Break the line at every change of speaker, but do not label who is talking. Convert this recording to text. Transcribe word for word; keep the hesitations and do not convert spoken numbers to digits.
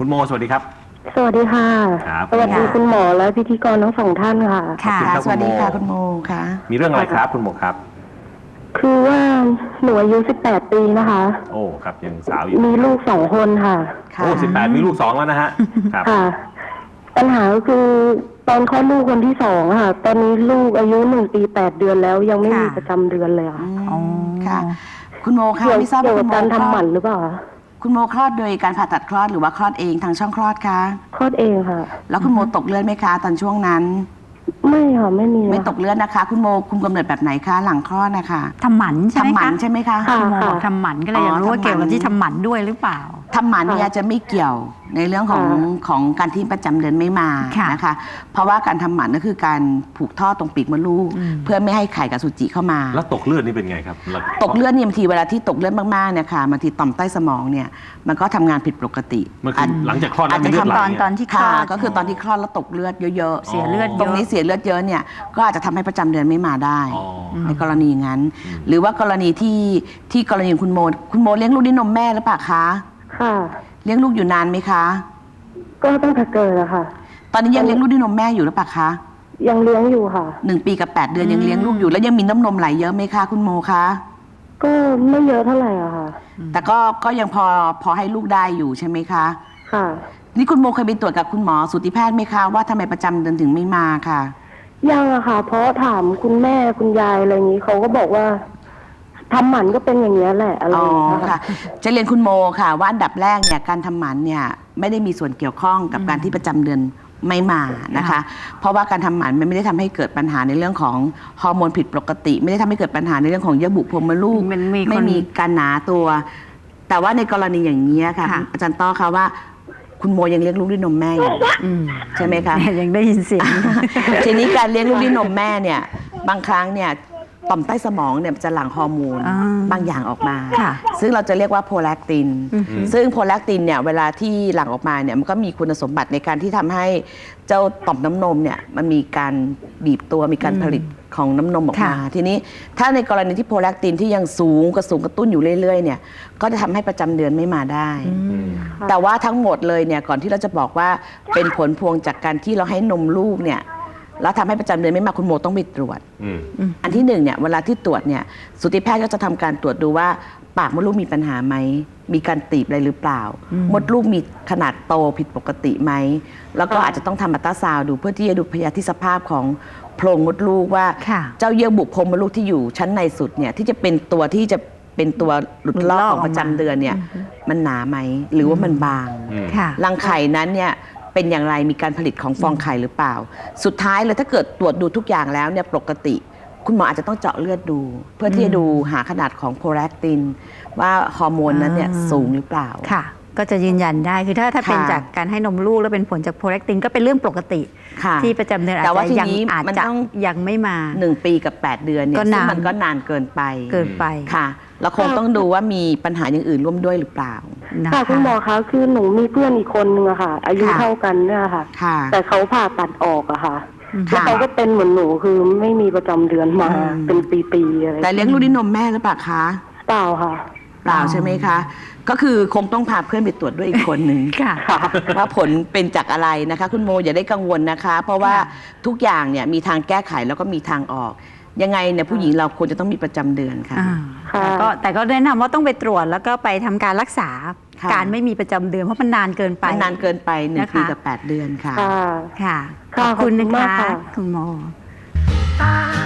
คุณโมสวัสดีครับ
สวัสดีค่ะสวัสดีคุณหมอและพิธีกรทั้งสองท่านค่ะ
ค่ะสวัสดีค่ะคุณโมค่ะ
มีเรื่องอะไรครับคุณโมครับ
คือว่าหนูอายุสิบแปดปีนะคะ
โอ้ครับยังสาวอยู่
มีลูกสองคนค่ะ
โอ้สิบแปดมีลูกสองแล้วนะฮะครับ
ค่ะปัญหาก็คือตอนคลอดลูกคนที่สองค่ะตอนนี้ลูกอายุหนึ่งปีแปดเดือนแล้วยังไม่มีประจำเดือนเลยค่ะ
อ๋อค่ะคุณโมค่ะไม่ทราบว่าคุณโม
การทำหมันหรือเปล่า
คุณโมคลอดโดยการผ่าตัดคลอดหรือว่าคลอดเองทางช่องคลอดคะ
คลอดเองค่ะ
แล้วคุณโมตกเลือดไหมคะตอนช่วงนั้น
ไม่ค่ะไม่มี
ไม่ตกเลือดนะคะคุณโมคุมกำเนิดแบบไหนคะหลังคลอดนะคะ
ทำหมันใช่ไหมคะ
ทำหมันใช่ไหมคะ
คุณโมบอกทำหมันก็เลยอยากรู้ว่าเกี่ยวกับที่ทำหมันด้วยหรือเปล่า
ทำหมันเนี่ยจะไม่เกี่ยวในเรื่องของของการที่ประจำเดือนไม่มานะคะเพราะว่าการทำหมันก็คือการผูกท่อตรงปีกมดลูกเพื่อไม่ให้ไข่กับสุจิเข้ามา
แล้วตกเลือดนี่เป็นไงครับ
ตกเลือดเนี่ยบางทีเวลาที่ตกเลือดมากๆเนี่ยค่ะบางทีต่อมใต้สมองเนี่ยมันก็ทำงานผิดปกติ
มันคือหลังจากคลอด
อาจจะ
ทำตอนตอนที่คลอด
ก็คือตอนที่คลอดแล้วตกเลือดเยอะๆ
เสียเลือด
ตรงนี้เสียเลือดเยอะเนี่ยก็อาจจะทำให้ประจำเดือนไม่มาได้ในกรณีงั้นหรือว่ากรณีที่ที่กรณีคุณโมคุณโมเลี้ยงลูกด้วยนมแม่หรือเปล่าคะ
ค่ะ
เลี้ยงลูกอยู่นานไหมคะ
ก็ตั้งแต่เกิดอะค่ะ
ตอนนี้ยังเลี้ยงลูกด้วยนมแม่อยู่หรือเปล่าคะ
ยังเลี้ยงอยู่ค่ะ
หนึ่งปีกับแปดเดือนยังเลี้ยงลูกอยู่แล้วยังมีน้ำนมไหลเยอะไหมคะคุณโมคะ
ก็ไม่เยอะเท่าไหร่อะค่ะ
แต่ก็ก็ยังพอพอให้ลูกได้อยู่ใช่ไหมคะ
ค่ะ
นี่คุณโมเคยไปตรวจกับคุณหมอสูติแพทย์ไหมคะว่าทำไมประจำเดือนถึงไม่มาค่ะ
ยังอะค่ะเพราะถามคุณแม่คุณยายอะไรอย่างนี้เขาก็บอกว่าทำหมันก็เป็นอย่างนี้แหละอะไรอย่างเงี้ยค่ะ
จะเรียนคุณโมค่ะว่าอันดับแรกเนี่ยการทำหมันเนี่ยไม่ได้มีส่วนเกี่ยวข้องกับการที่ประจำเดือนไม่มานะคะเพราะว่าการทำหมันมันไม่ได้ทำให้เกิดปัญหาในเรื่องของฮอร์โมนผิดปกติไม่ได้ทำให้เกิดปัญหาในเรื่องของเยื่อบุโพรงมดลูกไม่มีการหนาตัว แต่ว่าในกรณีอย่างนี้ค่ะอาจารย์ต้อคะว่าคุณโมยังเลี้ยงลูกด้วยนมแม่อยู่ใช่ไหมคะ
ยังได้ยินเสียง
ทีนี้การเลี้ยงลูกด้วยนมแม่เนี่ยบางครั้งเนี่ยต่อมใต้สมองเนี่ยจะหลั่งฮอร์โมนบางอย่างออกมาซึ่งเราจะเรียกว่าโพแลคตินซึ่งโพแลคตินเนี่ยเวลาที่หลั่งออกมาเนี่ยมันก็มีคุณสมบัติในการที่ทำให้เจ้าต่อมน้ำนมเนี่ยมันมีการบีบตัวมีการผลิตของน้ำนมออกมาทีนี้ถ้าในกรณีที่โพแลคตินที่ยังสูงกระสูงกระตุ้นอยู่เรื่อยๆเนี่ยก็จะทำให้ประจำเดือนไม่มาได้แต่ว่าทั้งหมดเลยเนี่ยก่อนที่เราจะบอกว่าเป็นผลพวงจากการที่เราให้นมลูกเนี่ยแล้วทำให้ประจำเดือนไม่มาคุณโมต้องไปตรวจอันที่หนึ่งเนี่ยเวลาที่ตรวจเนี่ยสูติแพทย์ก็จะทำการตรวจดูว่าปากมดลูกมีปัญหาไหมมีการตีบอะไรหรือเปล่ามดลูกมีขนาดโตผิดปกติไหมแล้วก็อาจจะต้องทำอัลตราซาวด์ดูเพื่อที่จะดูพยาธิสภาพของโพรงมดลูกว่าเจ้าเยื่อบุโพรงมดลูกที่อยู่ชั้นในสุดเนี่ยที่จะเป็นตัวที่จะเป็นตัวหลุดลอกของประจำเดือนเนี่ยมันหนาไหมหรือว่ามันบางรังไข่นั้นเนี่ยเป็นอย่างไรมีการผลิตของฟองไข่หรือเปล่าสุดท้ายเลยถ้าเกิดตรวจดูทุกอย่างแล้วเนี่ยปกติคุณหมออาจจะต้องเจาะเลือดดูเพื่อที่จะดูหาขนาดของโพแลคตินว่าฮอร์โมนนั้นเนี่ยสูงหรือเปล่า
ค่ะก็จะยืนยันได้คือถ้าถ้าเป็นจากการให้นมลูกแล้วเป็นผลจากโพแลคตินก็เป็นเรื่องปกติที่ประจำเดือนอาจจะยังอาจจะยังไม่มา
หนึ่งปีกับแปดเดือนเนี่ยซึ่งมันก็นานเกินไป
เกินไป
ค่ะเราคงต้องดูว่ามีปัญหาอย่างอื่นร่วมด้วยหรือเปล่า
ค่ะคุณหมอคะคือหนูมีเพื่อนอีกคนนึงอะค่ะอายุเท่ากันเนี่ยค่ะแต่เขาผ่าตัดออกอะค่ะแล้วเขาก็เป็นเหมือนหนูคือไม่มีประจำเดือนมาเป็นปีๆอะไร
แต่เลี้ยงลูกด้วยนมแม่หรือเปล่าคะ
เปล่าค่ะ
เปล่าใช่ไหมคะก็คือคงต้องพาเพื่อนไปตรวจด้วยอีกคนหนึ่งว่าผลเป็นจากอะไรนะคะคุณโมอย่าได้กังวลนะคะเพราะว่าทุกอย่างเนี่ยมีทางแก้ไขแล้วก็มีทางออกยังไงเนี่ยผู้หญิงเราควรจะต้องมีประจำเดือนค่ะ
ก็แต่ก็แนะนำว่าต้องไปตรวจแล้วก็ไปทำการรักษาการไม่มีประจำเดือนเพราะมันนานเกินไป
นานเกินไปหนึ่งปีกับแปดเดือนค่ะ
ค่ะขอบคุณนะคะคุณโม